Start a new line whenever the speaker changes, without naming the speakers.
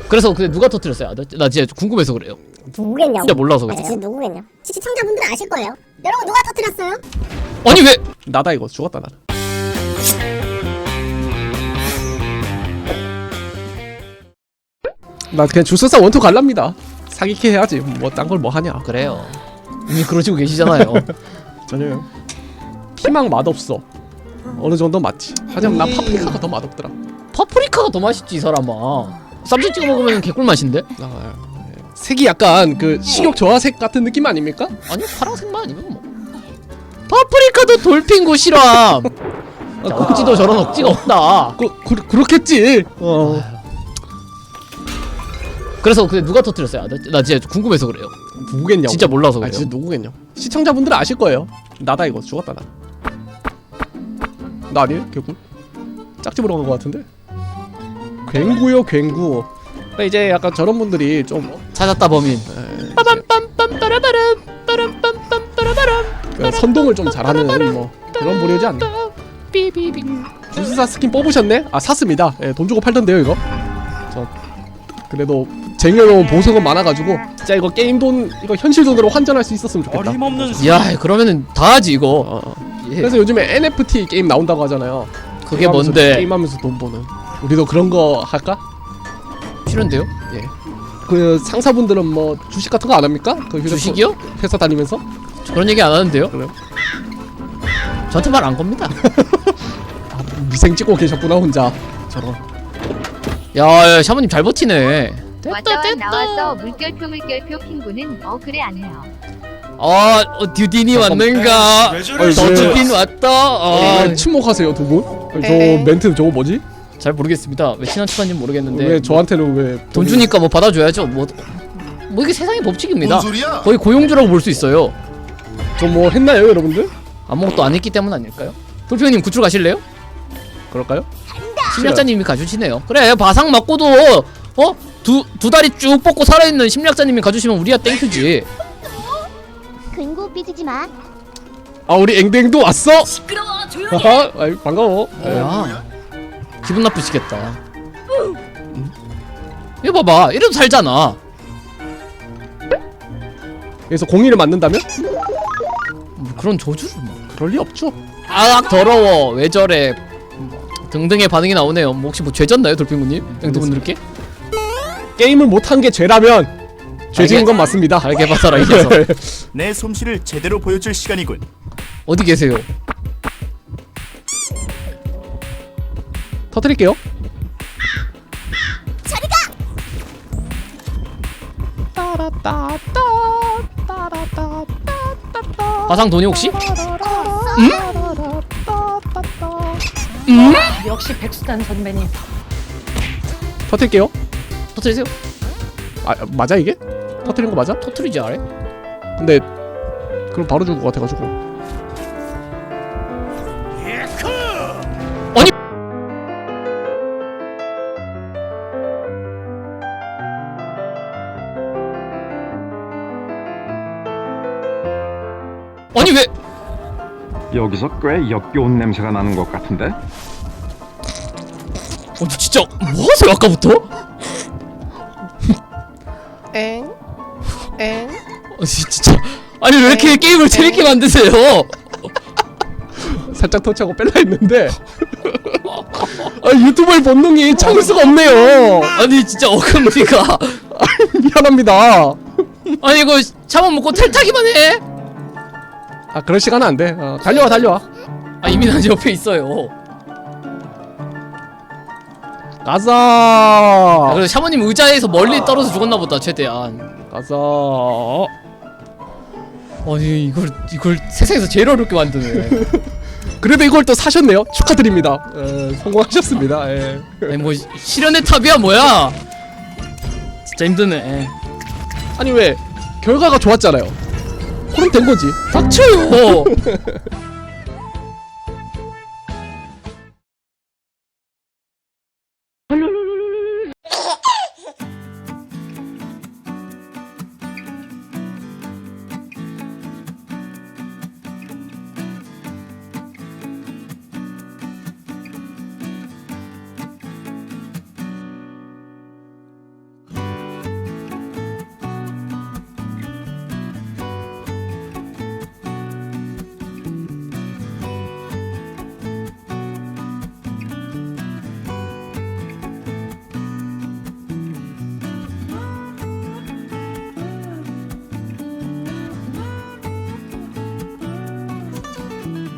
그래서 근데 누가 터뜨렸어요? 나 진짜 궁금해서 그래요.
누구겠냐고.
진짜 몰라서 그래.
진짜 누구겠냐. 시청자분들은 아실 거예요. 여러분 누가 터뜨렸어요?
아니 왜?
나다 이거 죽었다 나는. 나 그냥 주술사 원투 갈랍니다. 사기캐 해야지. 뭐 딴 걸 뭐 하냐.
그래요. 이미 그러시고 계시잖아요.
전혀요. 피망 맛없어. 어느 정도 맞지. 하지만 난 파프리카가 더 맛없더라.
파프리카가 더 맛있지 이 사람아. 쌈장 찍어 먹으면 개꿀 맛인데?
색이 약간 그 식욕 저하색 같은 느낌 아닙니까?
아니 파란색만 아니면 뭐. 파프리카도 돌핑고 싫어함. 억지도 저런 억지가 없다.
그렇겠지.
그래서 근데 누가 터뜨렸어요? 나 진짜 궁금해서 그래요.
누구겠냐고.
진짜 몰라서 그래요.
진짜 누구겠냐. 시청자분들은 아실 거예요. 나다 이거 죽었다 나. 나 아니에요? 개꿀? 짝집으로 간 거 같은데? 괭구요 괭구. 그러니까 이제 약간 저런 분들이 좀
찾았다 범인. 빠밤빰빰 빠라바람
그 선동을 좀 잘하는 뭐 그런 부류지 않나.
삐비빙.
주술사 스킨 뽑으셨네? 아 샀습니다. 예, 돈 주고 팔던데요 이거. 저 그래도 쟁여놓은 보석은 많아가지고 진짜 이거 게임 돈 이거 현실 돈으로 환전할 수 있었으면 좋겠다.
어림없는
야 그러면은 다 하지 이거. 예.
그래서 요즘에 NFT 게임 나온다고 하잖아요.
그게
게임하면서,
뭔데?
게임하면서 돈 버는. 우리도 그런 거 할까?
싫은데요?
예. 그 상사분들은 뭐 주식 같은 거 안 합니까? 그 휴대폰
주식이요?
회사 다니면서?
그런 얘기 안 하는데요?
그래요?
저한테 말 안 겁니다.
미생 찍고 계셨구나 혼자. 저런.
야 샤머님 잘 버티네.
왔다 나와서 물결표 핑구는 그래 안 해요.
듀딘이 왔는가?
왜 저래?
더 듀딘 왔다.
왜 침묵하세요 두 분? 저
에이.
멘트 저거 뭐지?
잘 모르겠습니다. 왜 친한 척한지 모르겠는데.
왜 저한테는 왜
돈 주니까 뭐 받아줘야죠. 뭐 이게 세상의 법칙입니다.
뭔 소리야?
거의 고용주라고 볼 수 있어요.
저 뭐 했나요 여러분들?
아무것도 안 했기 때문 아닐까요? 돌피형님 구출 가실래요?
그럴까요?
심리학자님이 가주시네요. 그래 바상 맞고도 두 다리 쭉 뻗고 살아있는 심리학자님이 가주시면 우리야 땡큐지.
근구 삐지지 마.
아 우리 앵댕도 왔어?
시끄러워 조용히.
하하 아이, 반가워.
뭐야 기분 나쁘시겠다. 이거 봐봐 이래도 살잖아.
그래서 공의를 맞는다면?
뭐 그런 저주를 뭐.
그럴 리 없죠.
더러워 왜 저래 등등의 반응이 나오네요. 뭐 혹시 뭐 죄졌나요 돌핑구님? 앵두분들께?
게임을 못한 게 죄라면 죄지은 건 맞습니다.
잘게 봐서라 이 녀석.
내 솜씨를 제대로 보여줄 시간이군.
어디 계세요?
터뜨릴게요.
바상 돈이 혹시?
역시 백수단 선배님.
터뜨릴게요.
터트리세요.
아 맞아 이게? 터뜨린 거 맞아?
터트리지 않아요?
근데 그럼 바로 죽을 것 같아가지고.
아니 아니 왜?
여기서 꽤 역겨운 냄새가 나는 것 같은데?
진짜 뭐하세요 아까부터? 진짜 아니 왜 이렇게 게임을 재밌게 만드세요?
살짝 터치하고 뺄라 했는데 아, 유튜버의 본능이 참을 수가 없네요.
아니 진짜 어금니가
미안합니다.
아니 이거 차만 먹고 탈타기만 해?
아 그럴 시간은 안 돼. 달려와 달려와.
아 이미 난 옆에 있어요.
가자.
그래서 샤머님 의자에서 멀리 떨어져 죽었나 보다 최대한.
가자.
아니 이걸 세상에서 제일 어렵게 만드네.
그래도 이걸 또 사셨네요. 축하드립니다. 성공하셨습니다. 예.
아니 뭐 실현의 탑이야 뭐야? 진짜 힘드네.
아니 왜 결과가 좋았잖아요. 그럼 된 거지.
닥쳐요.